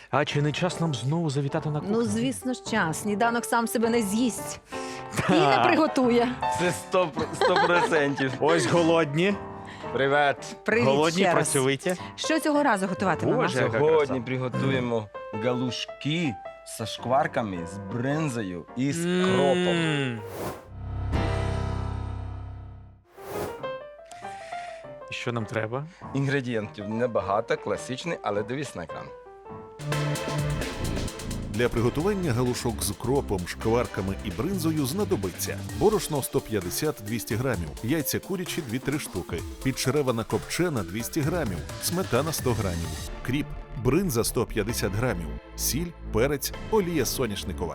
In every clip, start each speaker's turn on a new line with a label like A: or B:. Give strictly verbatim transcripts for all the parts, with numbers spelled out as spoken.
A: А чи не час нам знову завітати на кухню?
B: Ну, звісно ж, час. Сніданок сам себе не з'їсть і не приготує.
C: Це сто процентів.
A: Ось голодні.
C: Привет.
B: Привіт
A: Голодні,
B: ще раз.
A: працьовиті.
B: Що цього разу готуватимемо?
A: Боже. яка
C: Сьогодні
A: краса.
C: приготуємо галушки зі шкварками, з бринзою і з кропом.
A: М. І що нам треба?
C: Інгредієнтів небагато, класичний, але дивись на екран.
D: Для приготування галушок з кропом, шкварками і бринзою знадобиться борошно сто п'ятдесят - двісті грамів, яйця курячі дві-три штуки, підшеревана копчена двісті грамів, сметана сто грамів, кріп, бринза сто п'ятдесят грамів, сіль, перець, олія соняшникова.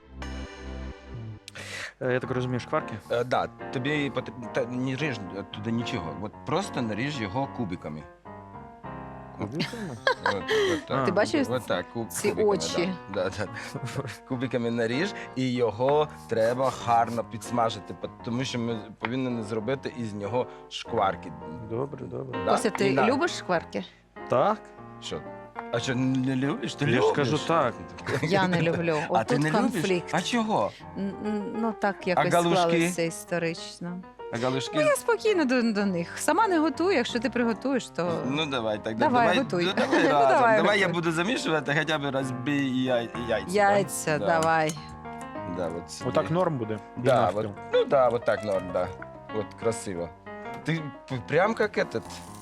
A: Е, Я так розумію, шкварки?
C: Е, да, тобі потрібно та, не ріж туди нічого, от просто наріж його кубиками.
A: Кубиками?
C: От, от так.
B: Ти бачиш
C: От так, куб,
B: ці
C: кубиками,
B: очі?
C: Да, да, да. Кубиками наріж, і його треба гарно підсмажити, тому що ми повинні зробити із нього шкварки.
A: Добре, добре.
C: Да?
B: Костя, ти
C: І на-
B: любиш шкварки?
A: Так?
C: Що? А що, не любиш? Ти
A: Я ж
C: любиш?
A: кажу так.
B: Я не люблю.
C: А
B: От
C: ти
B: тут
C: не
B: конфлікт.
C: любиш? А чого?
B: Н- н- Ну так якось
C: галушки?
B: склалося історично.
C: А галушки?
B: Ну я спокійно до, до них. Сама не готую, якщо ти приготуєш, то
C: Ну давай, так
B: Давай,
C: давай,
B: готуй.
C: ну, давай
B: Ну,
C: разом.
B: давай,
C: Давай я
B: готуй.
C: буду замішувати, хоча б розбий яй, яйця.
B: яйця,
C: да?
B: давай.
C: Да, от сюди.
A: Отак норм буде? І
C: Да,
A: навпіл.
C: вот, ну да, вот так норм, да. Вот красиво. Ты п- прям как этот,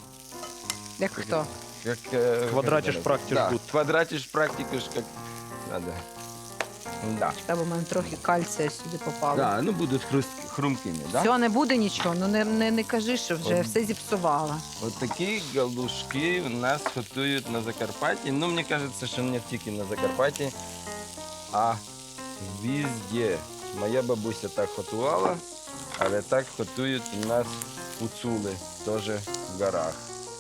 B: Як хто?
C: как... э,
A: Квадратишь,
C: как это,
A: практишь
C: да,
A: гуд.
C: квадратишь, практикуешь, как надо. Да.
B: Треба в мене трохи кальція сюди попало.
C: Да, ну будут хруст, хрумкими, да?
B: Все, не буде нічого. Ну не, не, не кажи, що вже
C: От.
B: все зіпсувала.
C: Вот такі галушки у нас готують на Закарпатті. Ну, мені кажется, що не тільки на Закарпатті, а везде. Моя бабуся так готувала, але так готують у нас гуцули, теж в горах.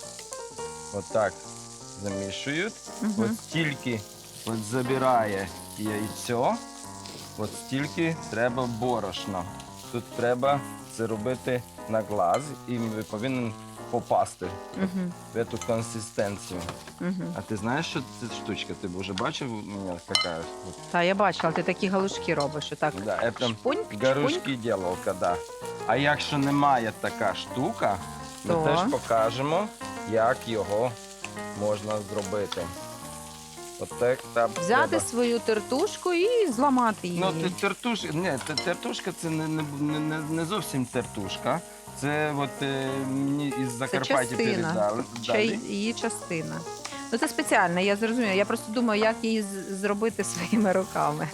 C: От так замішують.
B: Мгм.
C: От стільки от забирає яйцо, от стільки треба борошна. Тут треба це робити на глаз і ви повинен попасти
B: Мгм.
C: в цю консистенцію.
B: Мгм.
C: А ти знаєш, що це штучка? Ти вже бачив у мене яка? От,
B: Та я бачила, ти такі галушки робиш. Отак.
C: да, це
B: Шпуньк, шпуньк.
C: гарушки діловка, да. А якщо немає така штука, ми
B: То?
C: теж покажемо, як його можна зробити. От так там
B: Взяти
C: треба.
B: свою тертушку і зламати її.
C: Ну, те- тертушка, ні, те- тертушка це не, не, не, не зовсім тертушка. Це от е, мені із
B: Це
C: Закарпаття
B: частина.
C: передали.
B: Ще й-
C: дали.
B: її частина. Ну це спеціально, я зрозуміла. Я просто думаю, як її з- зробити своїми руками.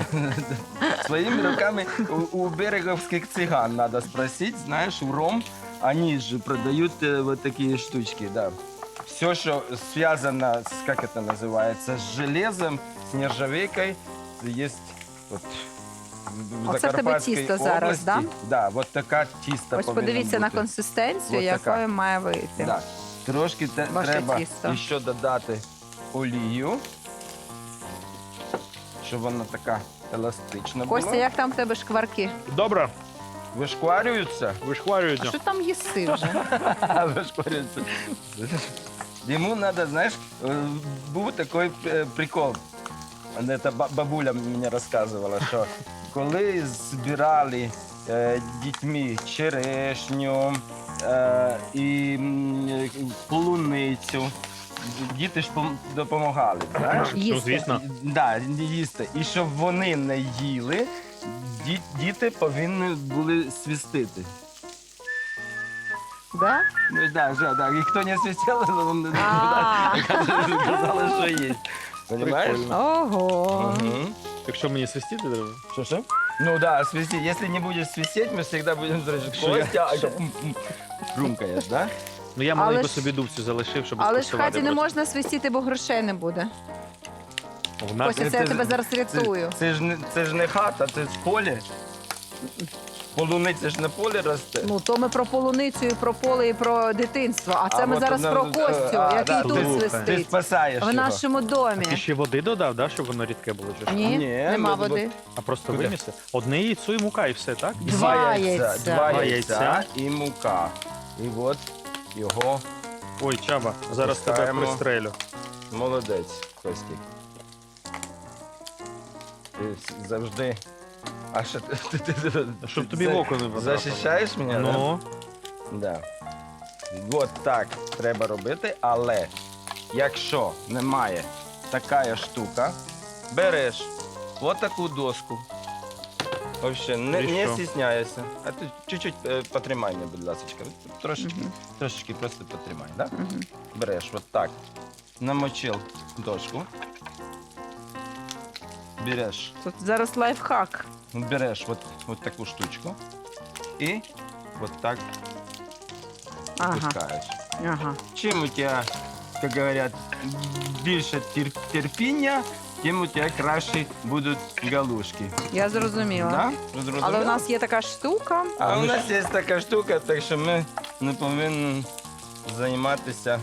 C: Своими руками у, у береговских цыган надо спросить, знаешь, в Ром они же продают э, вот такие штучки, да. Все, что связано с, как это называется, с железом, с нержавейкой, есть вот в
B: Оце в тебе
C: Закарпатській
B: тісто зараз,
C: області.
B: да?
C: Да, от така тіста
B: Ось
C: повинна
B: подивіться на
C: бути.
B: консистенцію,
C: Ось така.
B: якою має вийти.
C: Да. Трошки те-
B: Ваше
C: треба
B: тісто.
C: ще додати олію, щоб вона така еластична була.
B: Костя, як там в тебе шкварки?
A: Добре,
C: Вишкварюються.
B: А
A: вишкварюється.
B: що там їси вже?
C: Вишкварюються. Йому треба, знаєш, е, був такий е, прикол. Це бабуля мені розказувала, що коли збирали е, дітьми черешню е, і м, полуницю, діти ж пом- допомагали, знаєш?
A: Ну,
B: Їсти.
A: звісно.
C: Да, їсти. І щоб вони не їли, ді- діти повинні були свистити.
B: Да?
C: Ну да, да, да. І хто не свистел, он
B: А.
C: казали, що є. Понимаєш?
A: Прикольно.
B: Ого.
C: Мгм.
A: Якщо мені свистіти треба?
C: Что, что? Ну да, свисти. Если не будешь свистеть, мы всегда будем дрожать.
A: Что я-
C: Костя, а это м, м, хрумкаешь, да?
A: Ну я
B: Але
A: маленьку
B: ж-
A: собі дубцю залишив, щоб
B: Але ж в
A: скуштувати
B: хаті не
A: просто.
B: можна свистіти, бо грошей не буде.
A: В нас
B: Костя, це
C: це
B: я
C: ж-
B: тебе зараз рятую.
C: Це, це, ж не, це ж не хата, це ж поле. Полуниця ж на полі росте.
B: Ну, то ми про полуницю, і про поле, і про дитинство. А це
C: А
B: ми
C: от
B: зараз
C: одна-
B: про Костю,
C: а,
B: який
C: да,
B: тут
A: слухай.
C: Ти
B: свистить.
C: спасаєш
B: В
C: його.
B: нашому домі.
A: Ти ще води додав, да, щоб воно рідке було? Чи що?
B: Ні,
C: Ні,
B: нема
C: ми-
B: води.
A: А просто
C: Куди?
A: виміси? Одне яйцо і мука, і все, так?
C: І
B: Два яйця.
C: Два
A: Два
C: яйця
A: яйця.
C: і мука. І от його
A: Ой, Чаба, зараз тебе
C: Пускаємо.
A: пристрелю.
C: молодець, Костік. Ти завжди. А що ти, ти, ти, ти
A: Щоб тобі
C: за-
A: в око не потрапило.
C: захищаєш мене? да?
A: Ну,
C: Да. От так треба робити, але якщо немає така штука, береш отаку доску. Вообще, не,
A: І
C: не
A: що?
C: стісняйся. А ти чуть-чуть е, потримай мене, будь ласка. Трошечки,
B: Мгм.
C: трошечки просто потримай, да?
B: Мгм.
C: Береш от так, намочив дошку. Береш,
B: Тут зараз лайфхак.
C: береш от, от таку штучку і от так
B: Ага,
C: пускаєш.
B: ага.
C: Чим у тебе, як говорять, більше тер- терпіння, тим у тебе краще будуть галушки.
B: Я зрозуміла.
C: Да? Зрозумів?
B: Але у нас є така штука.
C: А у
A: ми
C: нас є така штука, так що ми не повинні займатися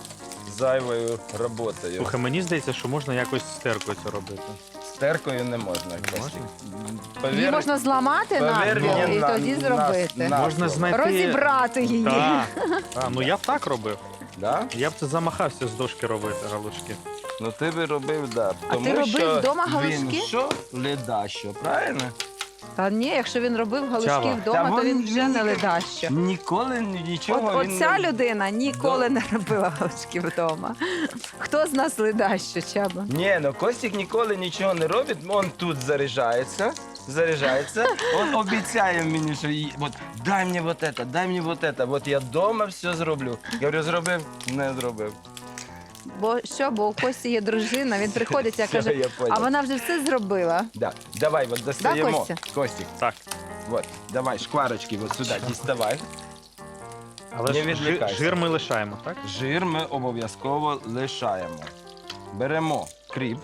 C: зайвою роботою.
A: слухай, мені здається, що можна якось з теркою це робити.
C: З теркою не можна.
A: Не
C: Костік.
A: можна?
B: Її
C: Повір-
B: можна зламати
C: повір
B: навпіл
C: мені
B: і
C: на-
B: тоді
C: на-
B: зробити.
C: на
A: Можна
C: слово.
A: знайти...
B: Розібрати її.
A: Так. А, ну я б так робив.
C: Да?
A: Я б це замахався з дошки робити, галушки.
C: Ну ти би робив, да.
B: А
C: Тому
B: ти робив
C: що
B: вдома
C: Він
B: галушки?
C: що? Ледащо, правильно?
B: Та ні, якщо він робив галушки
A: Чаба.
B: вдома,
C: Та
B: то він
C: він-
B: вже
C: він
B: не
C: ні-
B: ледащо.
C: Ніколи нічого
B: От,
C: він
B: оця
C: не...
B: людина ніколи не робила галушки вдома. Хто з нас ледащо, Чаба?
C: Ні, ну Костік ніколи нічого не робить, він тут заряджається, заряджається, він обіцяє мені, що їй- от, дай мені вот это, дай мені вот это, от я вдома все зроблю. Я говорю, зробив? Не зробив.
B: Бо що, бо у Кості є дружина, він приходить і
C: Все,
B: каже,
C: я понял.
B: а вона вже все зробила.
C: Да. Давай, от достаємо.
B: Костя?
C: Костік,
A: Так.
C: от, давай, шкварочки от сюди діставай.
A: Але
C: Не
A: ж жир,
C: відвлікайся.
A: жир ми лишаємо, так?
C: Жир ми обов'язково лишаємо. Беремо кріп,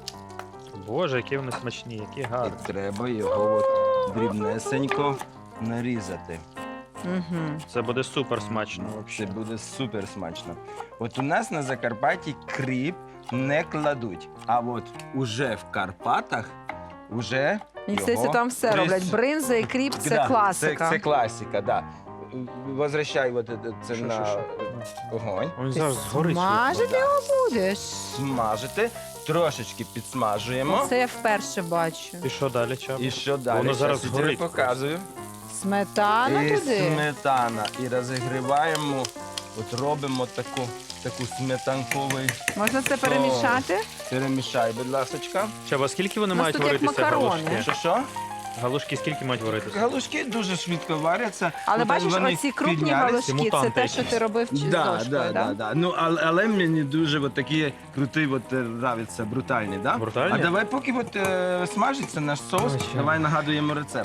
A: Боже, які вони смачні, які гарні.
C: і треба його от дрібнесенько нарізати.
B: Угу.
A: Це буде супер смачно
C: Це
A: взагалі.
C: буде супер смачно. От у нас на Закарпатті кріп не кладуть, а от уже в Карпатах уже
B: Мені
C: його
B: здається, там все
C: прис-
B: роблять. Бринза і кріп це
C: Да,
B: класика.
C: Це, це класика, да. Возвращай от це- це
A: Що,
C: на
A: що,
C: огонь.
A: Він
B: Ти
A: зараз згорить.
B: смажити
A: швидко.
B: його будеш?
C: Смажити, трошечки підсмажуємо.
B: Це я вперше бачу.
A: І що далі, Чаб?
C: І що далі?
A: Воно зараз
C: Щас я тобі
A: згорить.
C: показую.
B: Сметана
C: і
B: туди.
C: сметана. І розігріваємо, от робимо таку, таку сметанковий.
B: Можна це перемішати?
C: Перемішай, будь ласочка.
A: Чаба, скільки вони
B: У нас
A: мають
B: тут як
A: варитися
B: макарони.
A: галушки?
C: Що що?
A: Галушки скільки мають варитися?
C: Галушки дуже швидко варяться.
B: Але
C: От
B: бачиш,
C: вони
B: оці крупні
C: піднялись.
B: галушки, це
A: мутанти
B: те, що
A: якісь.
B: ти робив чи з
C: Да,
B: дошкою,
C: да,
B: да?
C: да, да. Ну, але, але мені дуже от такі круті от, е, нравляться, брутальні, да?
A: Брутальні?
C: А давай поки от, е, смажиться наш соус,
A: Ой, ще.
C: давай нагадуємо рецепт.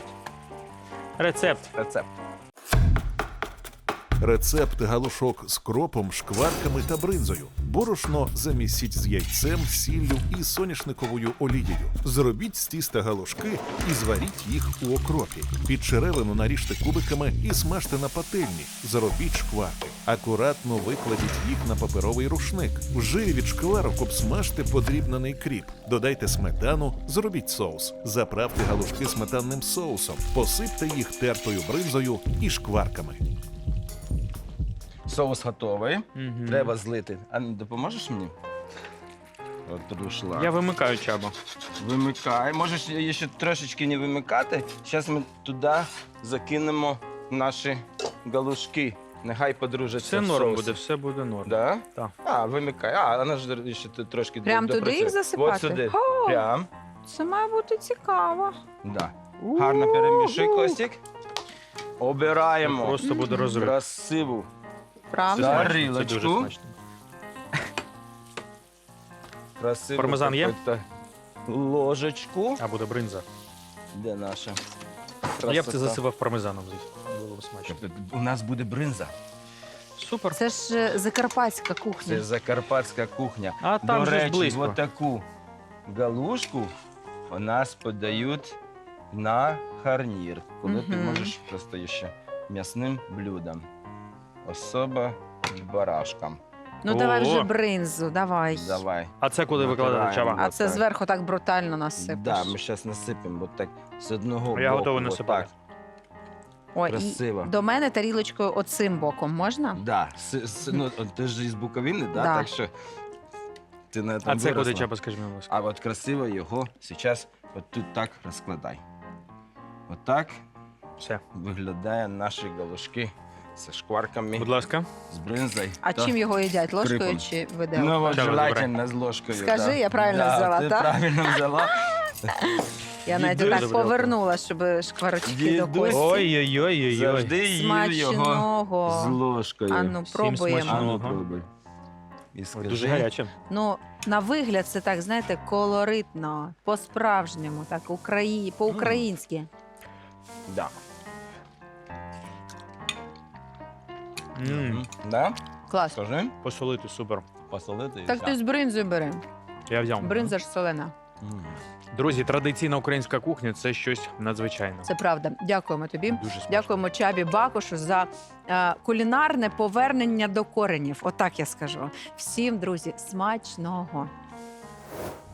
A: Рецепт.
C: Рецепт.
D: Рецепт галушок з кропом, шкварками та бринзою. Борошно замісіть з яйцем, сіллю і соняшниковою олією. Зробіть з тіста галушки і зваріть їх у окропі. Під черевину наріжте кубиками і смажте на пательні. Зробіть шкварки. Акуратно викладіть їх на паперовий рушник. В жирі від шкварок обсмажте подрібнений кріп. Додайте сметану, зробіть соус. Заправте галушки сметанним соусом. Посипте їх тертою бринзою і шкварками.
C: Соус готовий.
A: Мгм.
C: Треба злити. А ну, допоможеш мені? От прийшла.
A: Я вимикаю Чаба.
C: Вимикай. Можеш її ще трошечки не вимикати. Зараз ми туди закинемо наші галушки. Нехай подружаться
A: Все
C: в
A: норм
C: соусі.
A: буде, все буде норм.
C: Да?
A: Так.
C: А, вимикай. А, вона ж ще тут трошки
B: Прям
C: до-
B: туди їх
C: допрацює.
B: засипати?
C: От сюди.
B: О!
C: Прям.
B: Це має бути цікаво.
C: Да. Гарно перемішуй, Костік. Обираємо
A: Просто буде розрив.
C: красиву
B: Правда?
C: Да.
A: Смачно, Це
C: Тарілочку.
A: дуже смачно.
C: красиву
A: Пармезан є?
C: какую-то ложечку.
A: А буде бринза.
C: Де наша
A: Ну, я б це
C: красота?
A: засипав пармезаном, звісно. Було б смачно.
C: У нас буде бринза.
A: Супер.
B: Це ж е, закарпатська кухня.
C: Це закарпатська кухня.
A: А там
C: До
A: же ж
C: речі,
A: близько.
C: от таку галушку у нас подають на гарнір, коли ти
B: Мгм.
C: можеш просто ще м'ясним блюдом. Особа барашкам.
B: Ну давай вже
A: О!
B: бринзу, давай.
C: Давай.
A: А це куди викладати
C: Натираємо.
A: Чаба?
B: А це
C: Так.
B: зверху так брутально насипеш.
C: Да, ми зараз насипемо от так з одного
A: Я
C: боку.
A: готовий
C: от
A: насипати.
C: так.
B: Ой, і
C: красиво.
B: до мене тарілочкою оцим боком можна?
C: Да. С, с, ну, от ти ж із Буковини, да?
B: Да.
C: Так що ти на
A: А
C: там
A: це куди
C: виросла.
A: Чаба, скажи мені, будь ласка.
C: А от красиво його зараз От тут так розкладай. Отак
A: Все.
C: виглядає наші галушки зі шкварками,
A: Будь ласка.
C: з бринзою.
B: А
C: та
B: чим його їдять? Ложкою
C: крипом.
B: чи
C: Ну,
B: виделкою?
C: от
A: Чаба,
C: желательно з ложкою.
B: Скажи,
C: да.
B: я правильно
C: да,
B: взяла,
C: ти
B: так?
C: правильно взяла.
B: Я навіть
C: Дідусь-
B: так повернула, щоб шкварочки до
C: Дідусь-
B: кості.
A: Ой-ой-ой-ой.
C: Завжди їв його з
B: Смачного.
C: ложкою.
B: А ну,
A: Всім
B: пробуємо.
C: А ну,
A: смачного.
C: пробуй. І
A: Ой,
C: скажи,
A: дуже гаряче.
B: Ну, на вигляд це так, знаєте, колоритно, по-справжньому, так, Украї... по-українськи.
C: Да.
A: М,
C: Мгм. Да?
B: Клас.
C: Скажи.
A: Посолити, супер.
C: Посолити і
B: Так
C: все.
B: ти з бринзою бери.
A: Я взяв.
B: Бринза ж солена.
C: М.
A: Друзі, традиційна українська кухня це щось надзвичайне.
B: Це правда. Дякуємо тобі.
A: Дуже смачно.
B: Дякуємо Чабі Бакушу за е, кулінарне повернення до коренів. Отак я скажу. Всім, друзі, смачного.